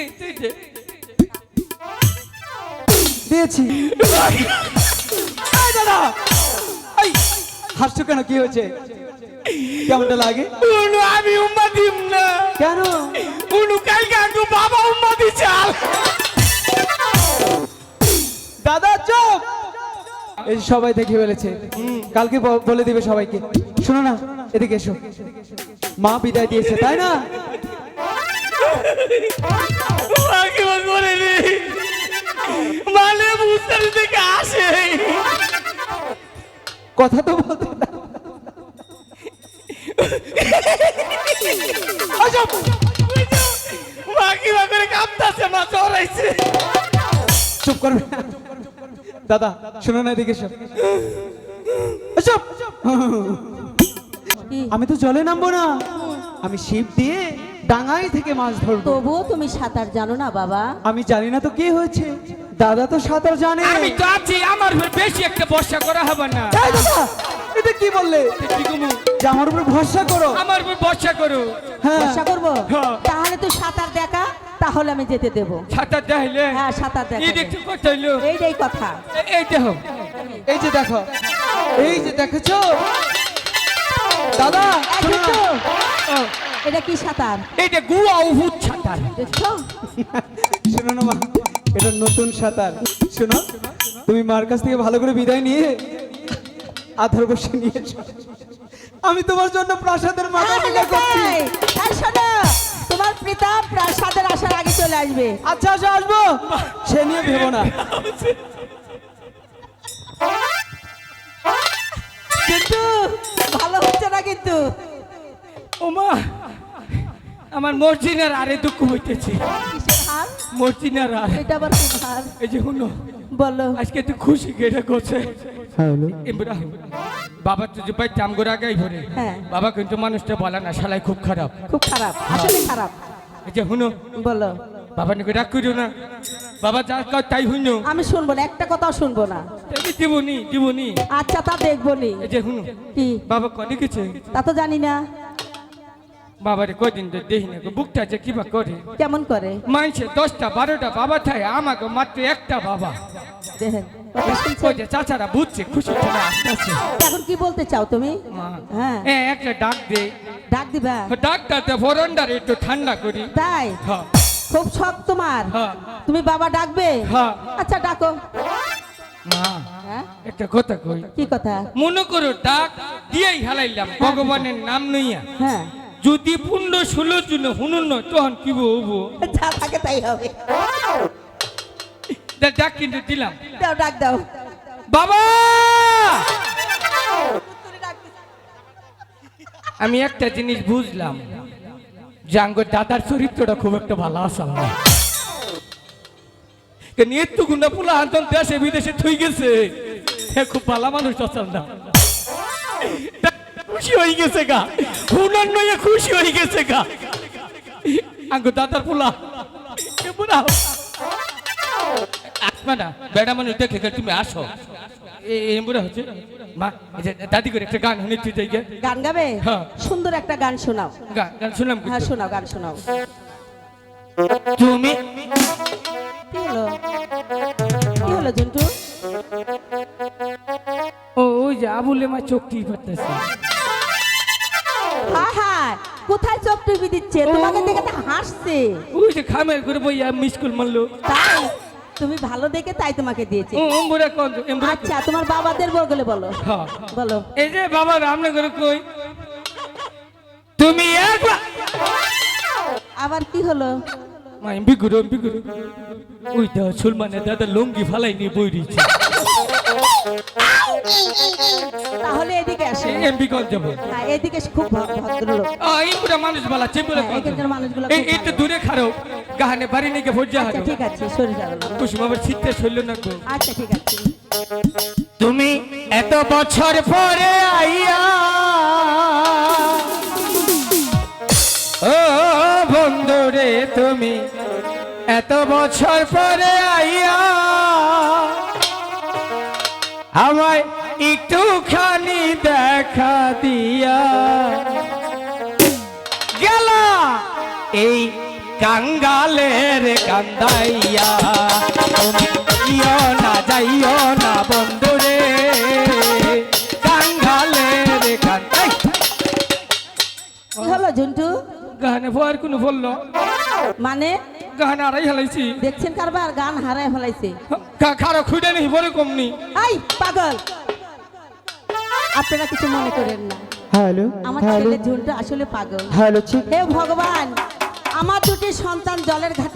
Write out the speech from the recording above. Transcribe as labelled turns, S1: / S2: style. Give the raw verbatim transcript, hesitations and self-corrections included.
S1: দিয়েছি। দাদা হাসছো কেন, কি হয়েছে, কেমনটা লাগে?
S2: আমি উম্মা দিম না।
S1: কেন?
S2: উনু কালকে আঙ্গু বাবা উম্মা দিছাল।
S1: দাদা চুপ, এই সবাই দেখে ফেলেছে, কালকে বলে দিবে সবাইকে। শোনো না, এদিকে এসো, মা বিদায় দিয়েছে তাই না?
S2: মানে বুঝতে থেকে আসে
S1: কথা তো বলতে না।
S2: মা কি করে কাঁপতাছে, মা চড়াইছে।
S1: চুপ করবে দাদা, শোনো না, এদিকে এসো। এসো। আমি তো জলে নামবো না, আমি ছিপ দিয়ে ডাঙাই থেকে মাছ ধরবো।
S3: তবুও তুমি সাঁতার জানো না বাবা?
S1: আমি জানি না তো কি হয়েছে, দাদা তো সাঁতার জানে।
S2: আমি তো আছি, আমার উপর বেশি একটা ভরসা করা হবে না।
S1: এই দাদা, এটা কি বললে?
S2: কি কমু?
S1: যে আমার উপর ভরসা করো?
S2: আমার উপর ভরসা করো।
S1: হ্যাঁ,
S3: ভরসা করবো?
S2: হ্যাঁ।
S3: তাহলে তুই সাঁতার দেখা, তাহলে আমি যেতে দেবো।
S2: সাঁতার দেখাইলে?
S3: হ্যাঁ, সাঁতার দেখা।
S2: এই দেখতে কত হইলো?
S3: এইটাই কথা।
S2: এই দেখো,
S1: এই যে দেখো, এই যে দেখেছো দাদা,
S3: এই
S1: শোনো না।
S3: দেখছো?
S2: ও,
S3: এটা কি সাঁতার
S2: এইটা গুয়া উহুদ সাঁতার।
S3: দেখছো?
S1: শোনো না মা, এটা নতুন সাঁতার। শোনো, তুমি মার কাছ থেকে ভালো করে বিদায় নিয়ে আধার বসে নিয়ে এসো। আমি তোমার জন্য প্রাসাদের মাথা টিকা করছি।
S3: এই, এই শোনো, তোমার পিতা প্রাসাদের আসার আগে চলে আসবে।
S1: আচ্ছা আচ্ছা, আসবো, সে নিয়ে ভেবো না।
S3: কিন্তু ভালো হচ্ছে না কিন্তু।
S2: ওমা, আমার মর্জিনার আরে দুঃখ হইতেছে।
S3: কিসের হার?
S2: মর্জিনার আর
S3: এটা আবার কোন হার?
S2: এই যে হুনো,
S3: বলো।
S2: আজকে তুই খুশি কেটে করছে।
S1: হ্যাঁ,
S2: ইমরান, বাবা তো যে ভাই চামগোর আগাই ভরে।
S3: হ্যাঁ।
S2: বাবা কিন্তু মানুষটা বলে না, শালাই খুব খারাপ।
S3: খুব খারাপ, আসলে খারাপ।
S2: এই যে হুনো,
S3: বলো।
S2: বাবা নাকি রাগ করিও না, বাবা যা কয় তাই হুনো।
S3: আমি শুনবো না, একটা কথাও শুনবো না।
S2: তাই দিবনি দিবনি।
S3: আচ্ছা, তা দেখবো নি।
S2: এই যে হুনো,
S3: কি?
S2: বাবা কনে গেছে?
S3: তা তো জানি না।
S2: বাবারে কদিন তো দেখি না, বুকটা যে কিবা করে।
S3: কেমন করে?
S2: মানছে দশটা বারোটা বাবা থাকে, আমাকে মাত্র একটা বাবা।
S3: দেখেন, কথা শুনছেন?
S2: ওই যে চাচারা বুঝছে, খুশি চলে আসতেছে।
S3: এখন কি বলতে চাও তুমি?
S2: মা,
S3: হ্যাঁ,
S2: এ একটা ডাক দে,
S3: ডাক দিবা?
S2: ডাকটাতে ফরন্ডার একটু ঠান্ডা করি।
S3: তাই?
S2: হ্যাঁ
S3: খুব শখ তোমার?
S2: হ্যাঁ
S3: তুমি বাবা ডাকবে?
S2: হ্যাঁ।
S3: আচ্ছা, ডাকো।
S2: মা,
S3: হ্যাঁ,
S2: একটা কথা কই,
S3: কি কথা?
S2: মনে করো ডাক দিয়েই হালাইলাম ভগবানের নাম নইয়া,
S3: হ্যাঁ,
S2: যদি পুণ্য ষোলো জন হুনুন নয় তখন কি বলবো?
S3: যা থাকে তাই হবে।
S2: ডাক কিন্তু দিলাম,
S3: দাও, ডাক দাও।
S2: বাবা। আমি একটা জিনিস বুঝলাম, জাঙ্গর দাদার চরিত্রটা খুব একটা ভালো আসল না। নিয়তু গুন্ডা পোলা আন্তন দেশে বিদেশে থই গেছে, হে খুব ভালো মানুষ আসল না। খুশি হয়ে গেছে গা, হুনার নয় খুশি হয়ে গেছে গা। আঙ্গ দাদার পোলা কেমন আসবা না, বেড়া মানুষ দেখে গেলে তুমি আসো। এমরা হচ্ছে মা, দাদি করে একটা গান শুনে তুই যাই।
S3: গান গাবে?
S2: হ্যাঁ।
S3: সুন্দর একটা গান শোনাও।
S2: গান শুনলাম।
S3: হ্যাঁ, শোনাও, গান শোনাও।
S2: তুমি
S3: কি হলো? কি হলো জন্টু?
S2: ও ওই যে আবুলে মা চোখটি করতেছে।
S3: হ্যাঁ হ্যাঁ, কোথায় চোখ টিপি দিচ্ছে? তোমাকে দেখে তো হাসছে।
S2: ওই যে খামের করে বইয়া মিসকুল মারলো।
S3: তাই? তুমি ভালো দেখে তাই তোমাকে দিয়েছে।
S2: ও এমবুরা কোন এমবুরা?
S3: আচ্ছা, তোমার বাবাদের বগলে বলো।
S2: হ্যাঁ
S3: বলো।
S2: এই যে বাবা রামনে করে কই তুমি একবার।
S3: আবার কি হলো?
S2: মা এমবি গুরু এমবি গুরু ওই দা সুলমানে দাদা লুঙ্গি ফালাই নিয়ে বই দিয়েছে।
S3: তাহলে এদিকে আসো।
S2: এমবি কোন যাব?
S3: হ্যাঁ, এদিকে খুব ভদ্রলোক।
S2: ও এমবুরা মানুষ বলা চেম্বুরা
S3: হ্যাঁ,
S2: কোন?
S3: এখানকার মানুষগুলো
S2: এই
S3: খুব
S2: একটু দূরে খারো, গাহানে বাড়ি নিয়ে ভোট যা
S3: আচ্ছা,
S2: হারো।
S3: ঠিক আছে, সরে যাও।
S2: কুসুম আবার শীতে শৈল না গো।
S3: আচ্ছা, ঠিক আছে।
S2: তুমি এত বছর পরে আইয়া, ও বন্ধুরে তুমি এত বছর পরে আইয়া আমায় একটুখানি দেখা দিয়া গেলা এই কাঙ্গালের কান্দাইয়া তুমি ইয় না যাইও না বন্ধুরে কাঙ্গালের কান্দাই
S3: কি হলো ঝুন্টু?
S2: গানে ভয়ের কোনো বললো
S3: মানে
S2: গানে আড়াই হেলাইছি
S3: দেখছেন কারবার গান হারায় ফেলাইছে।
S2: খারো খুঁড়ে নেই বলে কমনি
S3: এই পাগল, আপনারা কিছু মনে করেন না,
S1: হ্যালো
S3: আমার
S1: হ্যালো
S3: ছেলে ঝুন্টু আসলে পাগল।
S1: হ্যালো ঠিক
S3: হে ভগবান, আমার দুটি সন্তান জলের ঘাটে